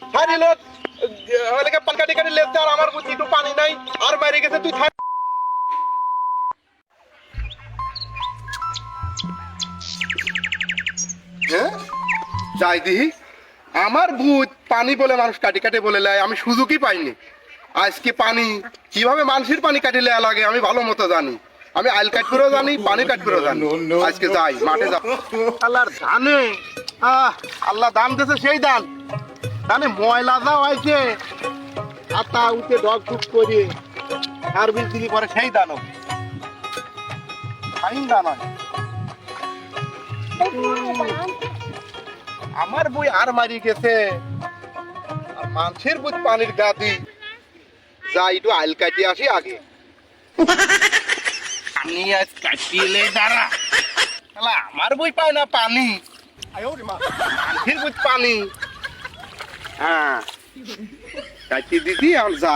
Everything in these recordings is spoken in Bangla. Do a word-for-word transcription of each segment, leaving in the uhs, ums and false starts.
হারি লোক ওইদিকে পান কাটি কাটি লেতে আর আমার বুদ্ধি একটু পানি নাই আর মারি গেছে তুই থাক। হ্যাঁ যাই দিহি আমার ভূত পানি বলে মানুষ কাটি কাটি বলে লাই আমি সুযোগই পাইনি। আজকে পানি কিভাবে মানুষের পানি কাটিলে লাগে আমি ভালো মতো জানি। আমি আইল কাট করেও জানি পানি কাট করেও জানি। আজকে যাই মাঠে যাব। আল্লাহর ধানে আহ আল্লাহ দান দিয়েছে সেই দান ধানে ময়লা যাও আইছে আতা উঠে ডগ ডুগ করে আর বিল দিলি পরে সেই দানও ফাইন দান হয়। আমার বই আর মারি গেছে আর মানুষের বই পানির গাদি যাই একটু আইল কাটিয়ে আসি আগে। আমি আজ কাটিলে দাঁড়া আমার বই পায় না পানি মানুষের বই পানি। হ্যাঁ কাটিয়ে দিদি আর যা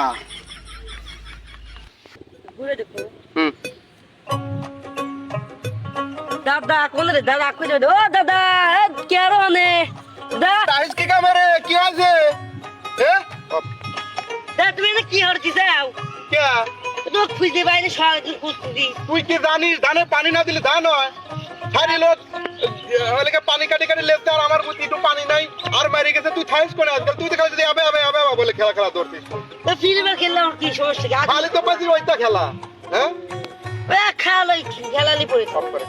হুম দাদা কোন রে দাদা কই ও দাদা কে রনে দা টাইস কি কামরে কি আছে এ দা তুমি না কি হরতি যাও কে তো খুঁজে বাইরে সারাদিন খুঁজছি। তুই কি জানিস ধানে পানি না দিলে ধান হয় হারি লোক ওইদিকে পানি কাটি কাটি লেতে আর আমার বুদ্ধি একটু পানি নাই আর মারি গেছে তুই থাইস করে আজকাল তুই তো খালি যদি আবে আবে আবে বলে খেলা খেলা ধরছিস। তো ফিল্মে খেললে আর কি সমস্যা আছে খালি তো পাচ্ছি ওইটা খেলা হ্যাঁ এ খালাই খেলালি পড়ে সব করে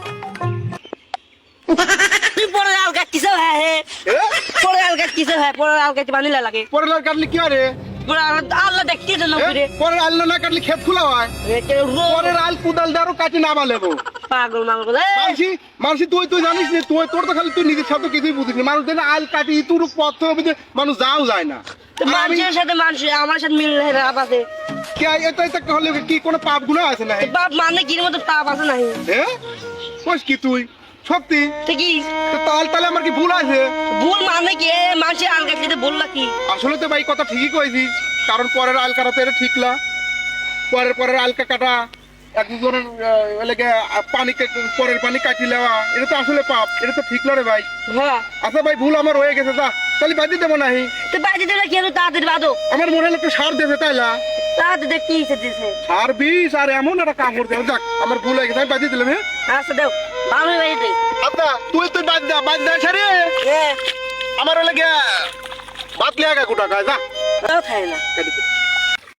তুই পরে আল গাচ্ছিস হ্যাঁ হ্যাঁ এ পরে আল গাচ্ছিস হ্যাঁ পরে আল গাচ্ছি পানি লাগে পরে লাল কাটলি কি আরে পরে আল্লাহ দেখতে জন্য ফিরে পরে আল না কাটলি ক্ষেত খোলা হয় পরে আল কুদাল দারও কাটি না বালেবো পাগল মাগল মানসি মানসি তুই তুই জানিস না তুই তোর তো খালি তুই নিজের সাথে কিছুই বুঝিস না মানুষ দিলে আল কাটি তোর পথ হবে মানুষ যাও যায় না। মানুষের সাথে মানুষ আমার সাথে মিল রাপ আছে কে এটা এটা হলে কি কোনো পাপ গুনাহ আছে না বাপ মানে কি মতো পাপ আছে নাই হ্যাঁ কইস কি তুই সত্যি ঠিকই তো তাল তালে আমার কি ভুল আছে ভুল মানে কি মানুষের আল গাছিতে বললা কি আসলে তো ভাই কথা ঠিকই কইছিস কারণ পরের আল কাটাতে এটা ঠিক না পরের পরের আলকা কাটা একজনের এলাকা পানি পরের পানি কাটি নেওয়া এটা তো আসলে পাপ এটা তো ঠিক না রে ভাই। হ্যাঁ আচ্ছা ভাই ভুল আমার হয়ে গেছে যা তাহলে বাদি দেবো নাহি তো বাইরে দিলে কেন তাড়াতাড়ি বাদো আমার মনে হলো একটু সার দেবে তাইলা তাড়াতাড়ি দেখ কি দিছে সার বিষ আর এমন একটা কামড় দেবে যাক আমার ভুল হয়ে গেছে আমি বাদি দিলাম হ্যাঁ আচ্ছা দেও ভালো বাইরে আচ্ছা তুই তুই বাদ দে বাদ দে সারি হ্যাঁ আমার লাগে বাদ লিয়া গা গোটা যা তাও খায় না কেটে